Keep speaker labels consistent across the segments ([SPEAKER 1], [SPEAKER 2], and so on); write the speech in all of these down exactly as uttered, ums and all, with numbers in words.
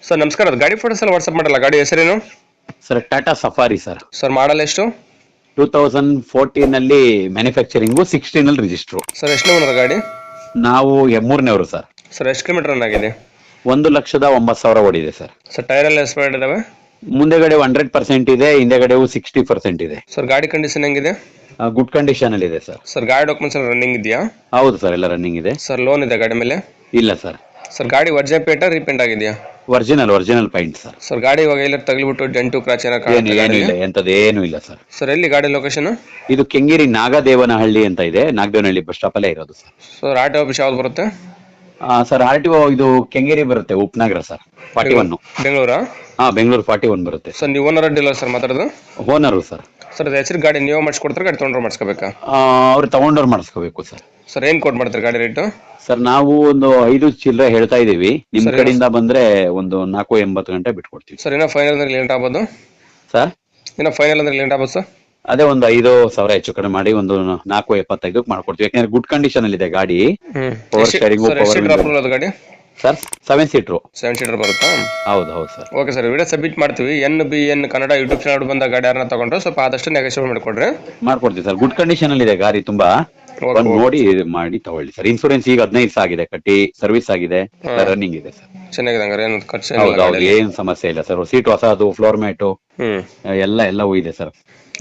[SPEAKER 1] Sir ನಮಸ್ಕಾರ, ಅದು ಗಾಡಿ ಫೋಟೋಸ್ ಎಲ್ಲ ವಾಟ್ಸಪ್ ಮಾಡಲ್ಲ. ಗಾಡಿ ಹೆಸರೇನು
[SPEAKER 2] sir? Tata Safari sir.
[SPEAKER 1] Sir model ಎಷ್ಟು?
[SPEAKER 2] ಟೂ ತೌಸಂಡ್ ಫೋರ್ಟೀನ್ ಅಲ್ಲಿ ಮ್ಯಾನುಫ್ಯಾಕ್ಚರಿಂಗು, ಸಿಕ್ಸ್ಟೀನ್ ಅಲ್ಲಿ ರಿಜಿಸ್ಟ್ರು.
[SPEAKER 1] ಸರ್ ಎಷ್ಟು ಓನರ್ ಗಾಡಿ?
[SPEAKER 2] ನಾವು ಮೂರನೇವರು ಸರ್.
[SPEAKER 1] ಸರ್ ಎಷ್ಟು ಕಿಲೋಮೀಟರ್ ರನ್ ಆಗಿದೆ?
[SPEAKER 2] ಒಂದು ಲಕ್ಷದ ಒಂಬತ್ತು ಸಾವಿರ ಓಡಿದೆ ಸರ್.
[SPEAKER 1] ಸರ್ ಟೈರ್ ಎಲ್ಲ ಎಕ್ಸ್ಪೈರ್ಡ್ ಇದಾವೆ?
[SPEAKER 2] ಮುಂದೆಗಡೆ ಹಂಡ್ರೆಡ್ ಪರ್ಸೆಂಟ್ ಇದೆ, ಹಿಂದೆಗಡೆವು ಸಿಕ್ಸ್ಟಿ ಪರ್ಸೆಂಟ್ ಇದೆ.
[SPEAKER 1] ಸರ್ ಗಾಡಿ ಕಂಡೀಷನ್ ಹೆಂಗಿದೆ?
[SPEAKER 2] ಗುಡ್ ಕಂಡೀಷನ್ ಅಲ್ಲಿ ಇದೆ ಸರ್.
[SPEAKER 1] ಸರ್ ಗಾಡಿ ಡಾಕ್ಯುಮೆಂಟ್ಸ್ ಎಲ್ಲ ರನ್ನಿಂಗ್ ಇದೆಯಾ?
[SPEAKER 2] ಹೌದು ಸರ್, ಎಲ್ಲ ರನ್ನಿಂಗ್ ಇದೆ.
[SPEAKER 1] ಸರ್ ಲೋನ್ ಇದೆ ಗಾಡಿ ಮೇಲೆ?
[SPEAKER 2] ಇಲ್ಲ ಸರ್.
[SPEAKER 1] ಸರ್ ಗಾಡಿ ವರ್ಜನ್ ಪೇಟ ರೀಪೇಂಟ್ ಆಗಿದೆಯಾ?
[SPEAKER 2] Original original paint sir.
[SPEAKER 1] Sir ಗಾಡಿ ಇವಾಗ ಎಲ್ಲ ತಗಲಿಬಿಟ್ಟು ಡೆಂಟು ಕ್ರಾಚ್
[SPEAKER 2] ಏನು ಏನು ಇಲ್ಲ, ಎಂತದ್ದು ಏನು ಇಲ್ಲ ಸರ್.
[SPEAKER 1] ಸರ್ ಎಲ್ಲಿ ಗಾಡಿ ಲೊಕೇಶನ್?
[SPEAKER 2] ಇದು ಕೆಂಗೇರಿ ನಾಗದೇವನಹಳ್ಳಿ ಅಂತ ಇದೆ, ನಾಗದೇವನಹಳ್ಳಿ ಬಸ್ ಸ್ಟಾಪ್ ಅಲ್ಲೇ ಇರೋದು sir.
[SPEAKER 1] Sir R T office ಯಾವ್ದು ಬರುತ್ತೆ?
[SPEAKER 2] ಸರ್ ಆರ್ ಟಿ ಒ ಇದು ಕೆಂಗೇರಿ ಬರುತ್ತೆ, ಉಪನಗರ ಸರ್. ಫಾರ್ಟಿ ಒನ್
[SPEAKER 1] ಬೆಂಗಳೂರಾ?
[SPEAKER 2] ಹಾ, ಬೆಂಗಳೂರು ಫಾರ್ಟಿ ಒನ್ ಬರುತ್ತೆ.
[SPEAKER 1] ಸರ್ ನೀವು ಓನರ್ ಡೀಲರ್ ಸರ್ ಮಾತಾಡೋದು?
[SPEAKER 2] Owner sir.
[SPEAKER 1] ಸರ್ ಅದು ಹೆಸರು ಗಾಡಿ ನೀವು ಮಾಡಿಸ್ಕೊಡ್ತಾರೆ, ಗಾಡಿ ತೊಗೊಂಡ್ರೆ ಮಾಡಿಸ್ಕೋಬೇಕಾ?
[SPEAKER 2] ಅವ್ರು ತಗೊಂಡವ್ರು ಮಾಡಿಸ್ಕೋಬೇಕು ಸರ್.
[SPEAKER 1] ಸರ್ ಏನು ಕೊಟ್ಟು ಮಾಡ್ತಾರೆ ಗಾಡಿ ರೇಟು?
[SPEAKER 2] ಸರ್ ನಾವು ಒಂದು ಐದು ಚಿಲ್ಲರೆ ಹೇಳ್ತಾ ಇದೀವಿ, ನಿಮ್ ಕಡೆಯಿಂದ ಬಂದ್ರೆ ಒಂದು ನಾಲ್ಕು ಎಂಬತ್ತು ಗಂಟೆ ಬಿಟ್ಕೊಡ್ತೀವಿ.
[SPEAKER 1] ಸರ್ ಏನೋ ಫೈನಲ್ ಅಂದ್ರೆ ಲೇಟ್ ಆಗ್ಬೋದು
[SPEAKER 2] ಸರ್?
[SPEAKER 1] ಏನೋ ಫೈನಲ್ ಅಂದ್ರೆ ಲೇಟ್ ಆಗ್ಬೋದು ಸರ್?
[SPEAKER 2] ಅದೇ ಒಂದು ಐದು ಸಾವಿರ ಹೆಚ್ಚು ಕಡಿಮೆ ಮಾಡಿ ಒಂದು ನಾಲ್ಕು ಎಪ್ಪತ್ತೈದು ಮಾಡ್ಕೊಡ್ತೀವಿ. ಯಾಕಂದ್ರೆ ಗುಡ್ ಕಂಡೀಷನ್ ಅಲ್ಲಿ ಇದೆ ಗಾಡಿ. ಪವರ್ ಶೇರಿಂಗ್,
[SPEAKER 1] ಪವರ್ ಗಾಡಿ
[SPEAKER 2] sir seven seater.
[SPEAKER 1] Seven seater ಬರುತ್ತಾ?
[SPEAKER 2] ಹೌದು ಹೌದು sir.
[SPEAKER 1] Okay sir, video submit ಮಾಡ್ತೀವಿ. N B N Kannada YouTube channel ಬಂದ ಗಾಡಿ ಯಾರನ್ನ ತಗೊಂಡ್ರೆ ಸ್ವಲ್ಪ ಆದಷ್ಟು ನೆಗೋಷಿಯೇಟ್ ಮಾಡಿಕೊಡ್ರಿ.
[SPEAKER 2] ಮಾಡ್ಕೊಡ್ತೀವಿ ಸರ್. ಗುಡ್ ಕಂಡೀಷನ್ ಅಲ್ಲಿ ಇದೆ ಗಾಡಿ, ತುಂಬಾ ಬಂದು ನೋಡಿ ಮಾಡಿ ತಗೊಳ್ಳಿ ಸರ್. ಇನ್ಸೂರೆನ್ಸ್ ಈಗ ಹದಿನೈದು ಸಾವಿರ ಆಗಿದೆ, ಕಟ್ಟಿ ಸರ್ವಿಸ್ ಆಗಿದೆ, ರನ್ನಿಂಗ್ ಇದೆ ಸರ್.
[SPEAKER 1] ಚೆನ್ನಾಗಿದೆ ಹಂಗಾರೆ, ಏನು ಖರ್ಚು?
[SPEAKER 2] ಹೌದು ಹೌದು, ಏನ್ ಸಮಸ್ಯೆ ಇಲ್ಲ ಸರ್. ಸೀಟ್ ಹೊಸದು, ಫ್ಲೋರ್ ಮ್ಯಾಟು ಎಲ್ಲ ಎಲ್ಲವೂ ಇದೆ ಸರ್.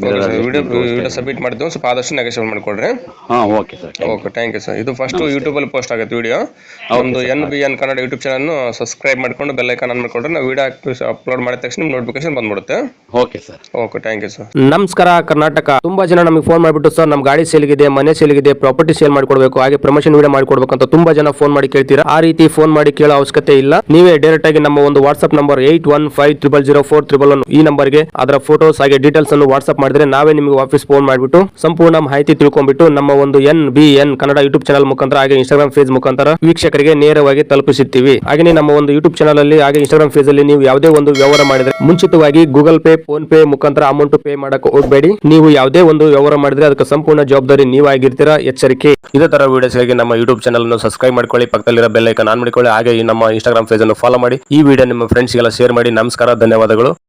[SPEAKER 1] ವಿಡಿಯೋ ಸಬ್ಮಿಟ್ ಮಾಡಿದ್ವಿ, ಸ್ವಲ್ಪ ಆದಷ್ಟು ನೆಗೋಷಿಯೇಟ್ ಮಾಡಿಕೊಡ್ರಿ.
[SPEAKER 2] ಹಾ okay sir.
[SPEAKER 1] Okay, thank you sir. ಇದು ಫಸ್ಟ್ ಯೂಟ್ಯೂಬ್ ಅಲ್ಲಿ ಪೋಸ್ಟ್ ಆಗುತ್ತೆ ವಿಡಿಯೋ. ಒಂದು N B N Kannada YouTube channel subscribe ಮಾಡ್ಕೊಂಡು ಬೆಲ್ ಐಕಾನ್ ಆನ್ ಮಾಡ್ಕೊಂಡ್ರೆ ನಾವು ವಿಡಿಯೋ ಅಪ್ಲೋಡ್ ಮಾಡಿದ ತಕ್ಷಣ ನಿಮ್ಗೆ ನೋಟಿಫಿಕೇಶನ್ ಬಂದ್ಬಿಡುತ್ತೆ.
[SPEAKER 2] Okay sir.
[SPEAKER 1] Okay, thank you sir.
[SPEAKER 3] ನಮಸ್ಕಾರ ಕರ್ನಾಟಕ. ತುಂಬಾ ಜನ ನಮಗೆ ಫೋನ್ ಮಾಡಿಬಿಟ್ಟು ಸರ್ ನಮ್ಮ ಗಾಡಿ ಸೇಲ್ಗಿದೆ, ಮನೆ ಸೇಲ್ಗಿದೆ, ಪ್ರಾಪರ್ಟಿ ಸೇಲ್ ಮಾಡ್ಕೊಡ್ಬೇಕು, ಹಾಗೆ ಪ್ರಮೋಷನ್ ವಿಡಿಯೋ ಮಾಡ್ಕೊಡ್ಬೇಕು ಅಂತ ತುಂಬಾ ಜನ ಫೋನ್ ಮಾಡಿ ಕೇಳ್ತೀರಾ. ಆ ರೀತಿ ಫೋನ್ ಮಾಡಿ ಕೇಳೋ ಅವಶ್ಯಕತೆ ಇಲ್ಲ. ನೀವೇ ಡೈರೆಕ್ಟ್ ಆಗಿ ನಮ್ಮ ಒಂದು WhatsApp number eight one five triple zero four triple one ಈ ನಂಬರ್ಗೆ ಅದರ ಫೋಟೋಸ್ ಹಾಗೆ ಡೀಟೇಲ್ಸ್ ಅನ್ನು ವಾಟ್ಸ್ಆಪ್ ಮಾಡಿದ್ರೆ ನಾವೇ ನಿಮಗೆ ವಾಪಸ್ ಫೋನ್ ಮಾಡಿಬಿಟ್ಟು ಸಂಪೂರ್ಣ ಮಾಹಿತಿ ತಿಳ್ಕೊಂಡ್ಬಿಟ್ಟು ನಮ್ಮ ಒಂದು N B N Kannada YouTube channel ಮುಖಾಂತರ ಹಾಗೆ ಇನ್ಸ್ಟಾಗ್ರಾಮ್ ಫೇಸ್ ಮುಖಾಂತರ ವೀಕ್ಷಕರಿಗೆ ನೇರವಾಗಿ ತಲುಪಿಸುತ್ತೀವಿ. ಹಾಗೆ ನಮ್ಮ ಒಂದು ಯೂಟ್ಯೂಬ್ ಚಾನಲ್ ಅಲ್ಲಿ ಹಾಗೆ ಇನ್ಸ್ಟಾಗ್ರಾಮ್ ಫೇಸ್ ಅಲ್ಲಿ ನೀವು ಯಾವುದೇ ಒಂದು ವ್ಯವಹಾರ ಮಾಡಿದ್ರೆ ಮುಂಚಿತವಾಗಿ ಗೂಗಲ್ ಪೇ, ಫೋನ್ ಪೇ ಮುಖಾಂತರ ಅಮೌಂಟ್ ಪೇ ಮಾಡಕ್ಕೆ ಹೋಗಬೇಡಿ. ನೀವು ಯಾವುದೇ ಒಂದು ವ್ಯವಹಾರ ಮಾಡಿದ್ರೆ ಅದಕ್ಕೆ ಸಂಪೂರ್ಣ ಜವಾಬ್ದಾರಿ ನೀವಾಗಿರ್ತೀರಾ, ಎಚ್ಚರಿಕೆ. ಇದೇ ತರ ವಿಡಿಯೋಸ್ಗಾಗಿ ನಮ್ಮ ಯೂಟ್ಯೂಬ್ ಚಾನಲ್ ಅನ್ನು ಸಬ್ಸ್ಕ್ರೈಬ್ ಮಾಡ್ಕೊಳ್ಳಿ, ಪಕ್ಕದಲ್ಲಿರೋ ಬೆಲ್ ಐಕಾನ್ ಆನ್ ಮಾಡಿಕೊಳ್ಳಿ, ಹಾಗೆ ನಮ್ಮ ಇನ್ಸ್ಟಾಗ್ರಾಮ್ ಪೇಜ್ ಅನ್ನು ಫಾಲೋ ಮಾಡಿ. ಈ ವಿಡಿಯೋ ನಿಮ್ಮ ಫ್ರೆಂಡ್ಸ್ಗೆಲ್ಲ ಶೇರ್ ಮಾಡಿ. ನಮಸ್ಕಾರ, ಧನ್ಯವಾದಗಳು.